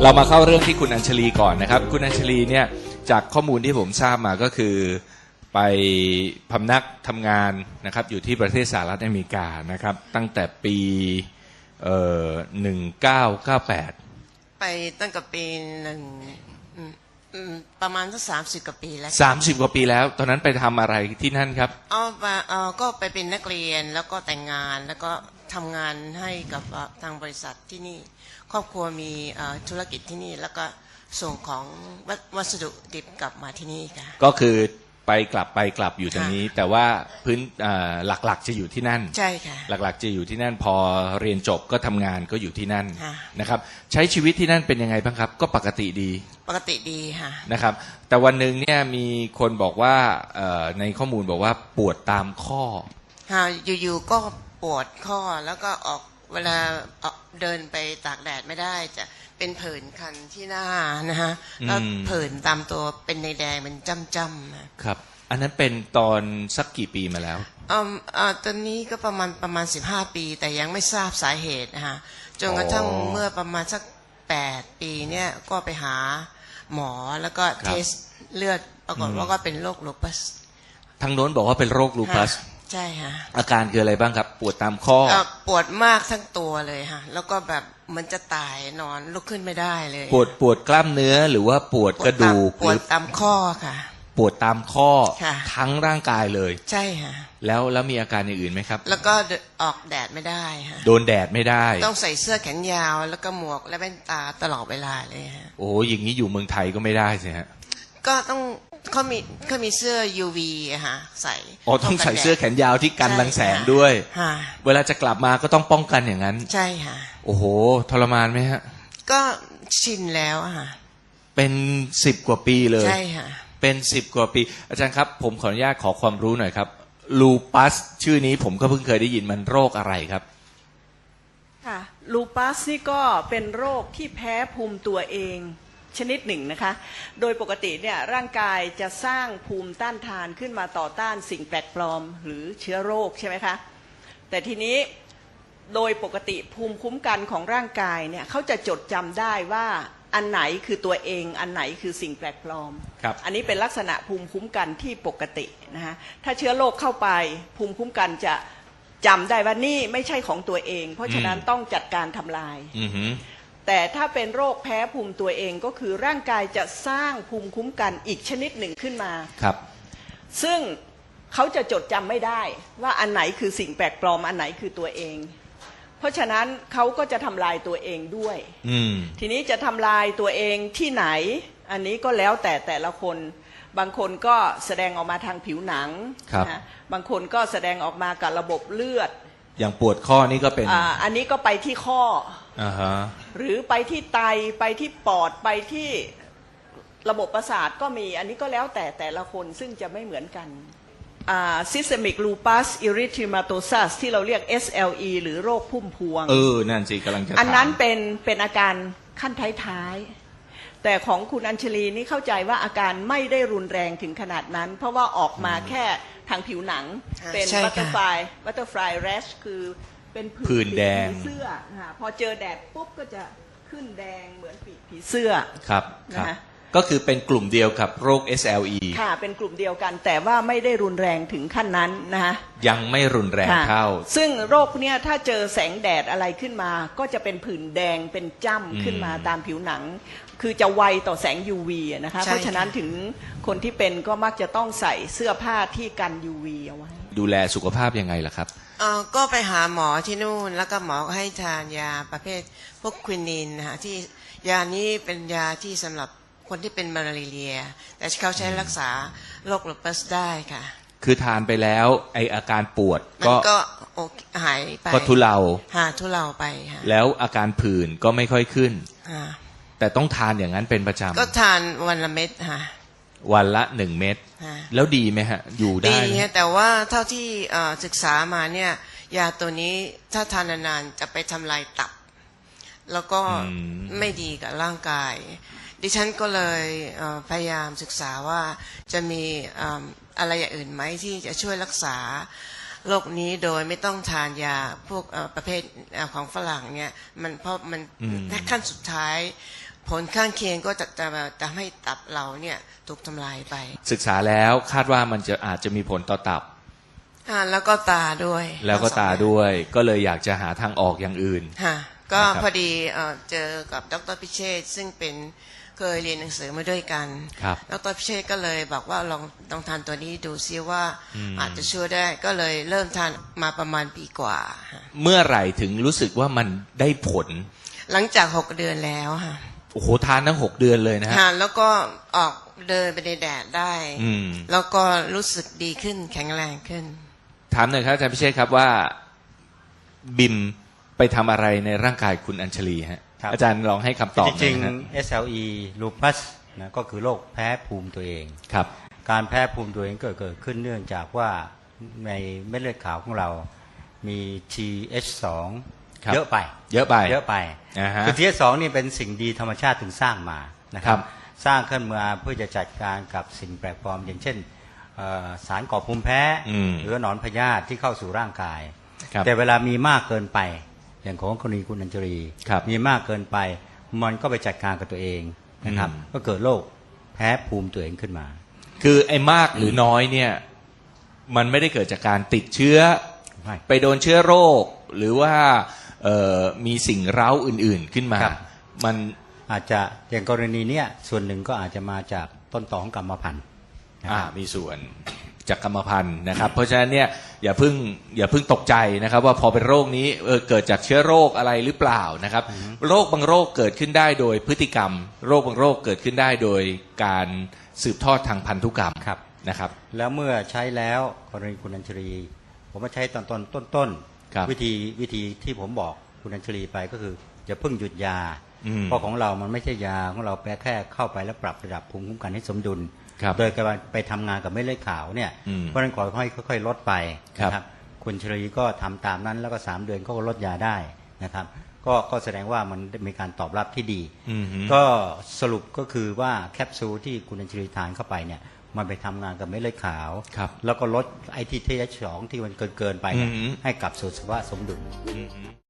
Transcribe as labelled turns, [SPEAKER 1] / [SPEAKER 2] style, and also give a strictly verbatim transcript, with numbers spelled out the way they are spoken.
[SPEAKER 1] เรามาเข้าเรื่องที่คุณอัญชลีก่อนนะครับคุณอัญชลีเนี่ยจากข้อมูลที่ผมทราบมาก็คือไปพำนักทำงานนะครับอยู่ที่ประเทศสหรัฐอเมริกานะครับตั้งแต่ปีเอ่อหนึ่งเก้าเก้าแปด
[SPEAKER 2] ไปตั้งแต่ปีหนึ่งประมาณสักสามสิบกว่าปีแล้ว
[SPEAKER 1] สามสิบกว่าปีแล้วตอนนั้นไปทำอะไรที่นั่นครับ
[SPEAKER 2] อ๋อเออก็ไปเป็นนักเรียนแล้วก็แต่งงานแล้วก็ทำงานให้กับทางบริษัทที่นี่ครอบครัวมีธุรกิจที่นี่แล้วก็ส่งของวัสดุดิบกลับมาที่นี่ค่ะก็
[SPEAKER 1] คือไปกลับไปกลับอยู่ตรงนี้แต่ว่าพื้นหลักๆจะอยู่ที่นั่น
[SPEAKER 2] ใช่ค่ะ
[SPEAKER 1] หลักๆจะอยู่ที่นั่นพอเรียนจบก็ทำงานก็อยู่ที่นั่นนะครับใช้ชีวิตที่นั่นเป็นยังไงบ้างครับก็ปกติดี
[SPEAKER 2] ปกติดีค่ะ
[SPEAKER 1] นะครับแต่วันหนึ่งเนี่ยมีคนบอกว่าในข้อมูลบอกว่าปวดตามข้อ
[SPEAKER 2] ค่ะอยู่ๆก็ปวดข้อแล้วก็ออกเวลาเดินไปตากแดดไม่ได้จะเป็นผื่นคันที่หน้านะฮะแล้วผื่นตามตัวเป็นในแดงเป็นจ้ำๆ
[SPEAKER 1] ครับอันนั้นเป็นตอนสักกี่ปีมาแล้ว
[SPEAKER 2] อ่าอ่าตอนนี้ก็ประมาณประมาณสิบห้าปีแต่ยังไม่ทราบสาเหตุนะฮะจนกระทั่งเมื่อประมาณสักแปดปีเนี่ยก็ไปหาหมอแล้วก็เทสเลือดปรากฏว่าก็เป็นโรคลูปัส
[SPEAKER 1] ทางโน้นบอกว่าเป็นโรคลูปัส
[SPEAKER 2] ใช่ค่ะ
[SPEAKER 1] อาการคืออะไรบ้างครับปวดตามข้อ
[SPEAKER 2] ปวดมากทั้งตัวเลยค่ะแล้วก็แบบมันจะตายนอนลุกขึ้นไม่ได้เลย
[SPEAKER 1] ปวดปวดกล้ามเนื้อหรือว่าปวดกระดูก
[SPEAKER 2] ปวดตามข้อค่ะ
[SPEAKER 1] ปวดตามข้อทั้งร่างกายเลย
[SPEAKER 2] ใช่ค่ะ
[SPEAKER 1] แล้วแล้วมีอาการอย่างอื่นไหมครับ
[SPEAKER 2] แล้วก็ออกแดดไม่ได้ค่ะ
[SPEAKER 1] โดนแดดไม่ได้
[SPEAKER 2] ต้องใส่เสื้อแขนยาวแล้วก็หมวกและแว่นตาตลอดเวลาเลยฮะ
[SPEAKER 1] โอ้อย่างนี้อยู่เมืองไทยก็ไม่ได้สิฮะ
[SPEAKER 2] ก็ต้องเขามีเขามีเสื้อ ยู วี อะฮะใส่
[SPEAKER 1] อ๋อต้องใส่เสื้อแขนยาวที่กันรังแสงด้วยเวลาจะกลับมาก็ต้องป้องกันอย่างนั้น
[SPEAKER 2] ใช่ค่ะ
[SPEAKER 1] โอ้โหทรมานไหมฮะ
[SPEAKER 2] ก็ชินแล้วอะค่ะ
[SPEAKER 1] เป็นสิบกว่าปีเลย
[SPEAKER 2] ใช่ค่ะ
[SPEAKER 1] เป็นสิบกว่าปีอาจารย์ครับผมขออนุญาตขอความรู้หน่อยครับลูปัสชื่อนี้ผมก็เพิ่งเคยได้ยินมันโรคอะไรครับ
[SPEAKER 3] ค่ะลูปัสนี่ก็เป็นโรคที่แพ้ภูมิตัวเองชนิดหนึ่งนะคะโดยปกติเนี่ยร่างกายจะสร้างภูมิต้านทานขึ้นมาต่อต้านสิ่งแปลกปลอมหรือเชื้อโรคใช่ไหมคะแต่ทีนี้โดยปกติภูมิคุ้มกันของร่างกายเนี่ยเขาจะจดจำได้ว่าอันไหนคือตัวเองอันไหนคือสิ่งแปลกปลอมอันนี้เป็นลักษณะภูมิคุ้มกันที่ปกตินะคะถ้าเชื้อโรคเข้าไปภูมิคุ้มกันจะจำได้ว่านี่ไม่ใช่ของตัวเองเพราะฉะนั้นต้องจัดการทำลายแต่ถ้าเป็นโรคแพ้ภูมิตัวเองก็คือร่างกายจะสร้างภูมิคุ้มกันอีกชนิดหนึ่งขึ้นมา
[SPEAKER 1] ครับ
[SPEAKER 3] ซึ่งเขาจะจดจำไม่ได้ว่าอันไหนคือสิ่งแปลกปลอมอันไหนคือตัวเองเพราะฉะนั้นเขาก็จะทำลายตัวเองด้วยทีนี้จะทำลายตัวเองที่ไหนอันนี้ก็แล้วแต่แต่ละคนบางคนก็แสดงออกมาทางผิวหนังนะบางคนก็แสดงออกมากับระบบเลือด
[SPEAKER 1] อย่างปวดข้อนี่ก็เป็น
[SPEAKER 3] อ่าอันนี้ก็ไปที่ข้อ
[SPEAKER 1] uh-huh.
[SPEAKER 3] หรือไปที่ไตไปที่ปอดไปที่ระบบประสาทก็มีอันนี้ก็แล้วแต่แต่ละคนซึ่งจะไม่เหมือนกันอ่า Systemic Lupus Erythematosus ที่เราเรียก เอส แอล อี หรือโรคพุ่มพวง
[SPEAKER 1] เออนั่นสิกำลังจะถาม
[SPEAKER 3] อันนั้นเป็นเป็นอาการขั้นท้ายๆแต่ของคุณอัญชลีนี่เข้าใจว่าอาการไม่ได้รุนแรงถึงขนาดนั้นเพราะว่าออกมาแค่ทางผิวหนังเป็นบัตเตอร์ฟลายบัตเตอร์ฟลายแรชคือเป็น
[SPEAKER 1] ผื่นแดง
[SPEAKER 3] เสื้อพอเจอแดดปุ๊บก็จะขึ้นแดงเหมือนปีกผีเสื้อ
[SPEAKER 1] ครับนะก็คือเป็นกลุ่มเดียวกับโรค เอส แอล อี
[SPEAKER 3] ค่ะเป็นกลุ่มเดียวกันแต่ว่าไม่ได้รุนแรงถึงขั้นนั้นนะคะ
[SPEAKER 1] ยังไม่รุนแรงเท่า
[SPEAKER 3] ซึ่งโรคเนี้ยถ้าเจอแสงแดดอะไรขึ้นมาก็จะเป็นผื่นแดงเป็นจ้ำขึ้นมาตามผิวหนังคือจะไวต่อแสง ยู วี นะคะเพราะฉะนั้นถึงคนที่เป็นก็มักจะต้องใส่เสื้อผ้าที่กัน ยู วี เอาไว้
[SPEAKER 1] ดูแลสุขภาพยังไงล่ะครับ
[SPEAKER 2] เออก็ไปหาหมอที่นู่นแล้วก็หมอก็ให้ทานยาประเภทพวกควินินนะคะที่ยานี้เป็นยาที่สำหรับคนที่เป็นมาลาเรียแต่เขาใช้รักษาโรคลูปัสได้ค่ะ
[SPEAKER 1] คือทานไปแล้วไออาการปวดก็
[SPEAKER 2] ก็หายไป
[SPEAKER 1] ก็ทุเลา
[SPEAKER 2] หาทุเลาไปค่ะ
[SPEAKER 1] แล้วอาการผื่นก็ไม่ค่อยขึ้นแต่ต้องทานอย่างนั้นเป็นประจำ
[SPEAKER 2] ก็ทานวันละเม็ดค่ะ
[SPEAKER 1] วันละหนึ่งเม็ดแล้วดีไหมฮะอยู่ได้
[SPEAKER 2] ดีแต่ว่าเท่าที่ศึกษามาเนี่ยยาตัวนี้ถ้าทานนานๆจะไปทำลายตับแล้วก็ไม่ดีกับร่างกายดิฉันก็เลยพยายามศึกษาว่าจะมีอะไรอย่างอื่นไหมที่จะช่วยรักษาโรคนี้โดยไม่ต้องทานยาพวกประเภทของฝรั่งเนี่ยมันเพราะมันขั้นสุดท้ายผลข้างเคียงก็จะจะทำให้ตับเราเนี่ยถูกทำลายไป
[SPEAKER 1] ศึกษาแล้วคาดว่ามันจะอาจจะมีผลต่อตับ
[SPEAKER 2] อ่าแล้วก็ตาด้วย
[SPEAKER 1] แล้วก็ตา
[SPEAKER 2] ทั้งสองอย่ง
[SPEAKER 1] ด้วย ก็เลยอยากจะหาทางออกอย่างอื่น
[SPEAKER 2] ค่ะก็
[SPEAKER 1] นะครับ
[SPEAKER 2] พอดีเอ่อเจอกับดรพิเชษฐ์ซึ่งเป็นเคยเรียนหนังสือมาด้วยกัน
[SPEAKER 1] ครับ
[SPEAKER 2] ดรพิเชษฐ์ก็เลยบอกว่าลองลองทานตัวนี้ดูซิว่า
[SPEAKER 1] อืม
[SPEAKER 2] อาจจะช่วยได้ก็เลยเริ่มทานมาประมาณปีกว่าค่ะ
[SPEAKER 1] เมื่อไหร่ถึงรู้สึกว่ามันได้ผล
[SPEAKER 2] หลังจากหกเดือนแล้วค่ะ
[SPEAKER 1] โอ้โหทานทั้งหกเดือนเลยนะฮะ
[SPEAKER 2] ค่ะแล้วก็ออกเดินไปในแดดได้
[SPEAKER 1] อืม
[SPEAKER 2] แล้วก็รู้สึกดีขึ้นแข็งแรงขึ้น
[SPEAKER 1] ถามหน่อยครับอาจารย์พิเชษครับว่าบิมไปทำอะไรในร่างกายคุณอัญชลีฮะ
[SPEAKER 4] ครับ
[SPEAKER 1] อาจารย์ลองให้คำตอบห
[SPEAKER 4] จ
[SPEAKER 1] น่อ
[SPEAKER 4] ริ
[SPEAKER 1] ย
[SPEAKER 4] ง
[SPEAKER 1] นะฮะ
[SPEAKER 4] ๆ เอส แอล อี lupus นะก็คือโรคแพ้ภูมิตัวเอง
[SPEAKER 1] ครับ
[SPEAKER 4] การแพ้ภูมิตัวเองเกิดเกิดขึ้นเนื่องจากว่าในเม็ดเลือดขาวของเรามี ที เอช สอง
[SPEAKER 1] ครับ
[SPEAKER 4] เยอะไป
[SPEAKER 1] เยอะไป
[SPEAKER 4] เยอะไป
[SPEAKER 1] อ่าฮะ
[SPEAKER 4] คือ ที เอช สอง นี่เป็นสิ่งดีธรรมชาติถึงสร้างมานะค
[SPEAKER 1] ครั
[SPEAKER 4] รับ บสร้างขึ้นมาเพื่อจะจัดการกับสิ่งแปลกปลอม อย่างเช่นเอ่อสารก่อภูมิแพ้
[SPEAKER 1] อืม
[SPEAKER 4] หรือหนอนพยาธิที่เข้าสู่ร่างกาย
[SPEAKER 1] ครับ
[SPEAKER 4] แต่เวลามีมากเกินไป อย่างของกรณีคุณอัญชลี
[SPEAKER 1] ครับ
[SPEAKER 4] มีมากเกินไป มันก็ไปจัดการกับตัวเองนะครับ
[SPEAKER 1] อืม
[SPEAKER 4] ก็เกิดโรคแพ้ภูมิตัวเองขึ้นมา
[SPEAKER 1] คือไอ้มากหรือน้อยเนี่ย มันไม่ได้เกิดจากการติดเชื้อ
[SPEAKER 4] ไม่
[SPEAKER 1] ไปโดนเชื้อโรค หรือว่าเอ่อมีสิ่งเร้าอื่น ๆขึ้นมา
[SPEAKER 4] ครับ
[SPEAKER 1] มัน
[SPEAKER 4] อาจจะอย่างกรณีเนี้ยส่วนหนึ่งก็อาจจะมาจากต้นตอของกรรมพันธุ์นะ
[SPEAKER 1] อ่า
[SPEAKER 4] ครับ
[SPEAKER 1] มีส่วนจากกรรมพันธุ์นะครับ เพราะฉะนั้นเนี่ยอย่าเพิ่งอย่าเพิ่งตกใจนะครับ ว่าพอเป็นโรคนี้เออเกิดจากเชื้อโรคอะไรหรือเปล่านะครับ โรคบางโรคเกิดขึ้นได้โดยพฤติกรรม โรคบางโรคเกิดขึ้นได้โดยการสืบทอดทางพันธุกรรม
[SPEAKER 4] ครับ
[SPEAKER 1] นะครับ
[SPEAKER 4] แล้วเมื่อใช้แล้วกรณีคุณอัญชลี ผมมาใช้ตอนต้นต้นต้น
[SPEAKER 1] ครับ
[SPEAKER 4] วิธีวิธีที่ผมบอกคุณอัญชลีไปก็คืออย่าเพิ่งหยุดยา
[SPEAKER 1] อืม
[SPEAKER 4] เพราะของเรามันไม่ใช่ยาของเราแปแค่เข้าไปแล้วปรับระดับภูมิคุ้มกันให้สมดุล
[SPEAKER 1] ครับ
[SPEAKER 4] โดยการไปทำงานกับเม็ดเลือดขาวเนี่ย
[SPEAKER 1] อืม
[SPEAKER 4] เพราะฉะนั้นขอให้ค่อยๆลดไป
[SPEAKER 1] ครับ
[SPEAKER 4] นะครับคุณชลีก็ทำตามนั้นแล้วก็สามเดือนก็ลดยาได้นะครับก็ก็แสดงว่ามันมีการตอบรับที่ดี
[SPEAKER 1] อืมฮึ
[SPEAKER 4] ก็สรุปก็คือว่าแคปซูลที่คุณอัญชลีทานเข้าไปเนี่ยมันไปทำงานกับเม็ดเลือดขาว
[SPEAKER 1] ครับ
[SPEAKER 4] แล้วก็ลดไอทีเทสสองที่มันเกินเกินๆไปเนี่ย
[SPEAKER 1] อือหือ
[SPEAKER 4] ให้กลับสู่สภาวะสมดุล
[SPEAKER 1] อืมฮึ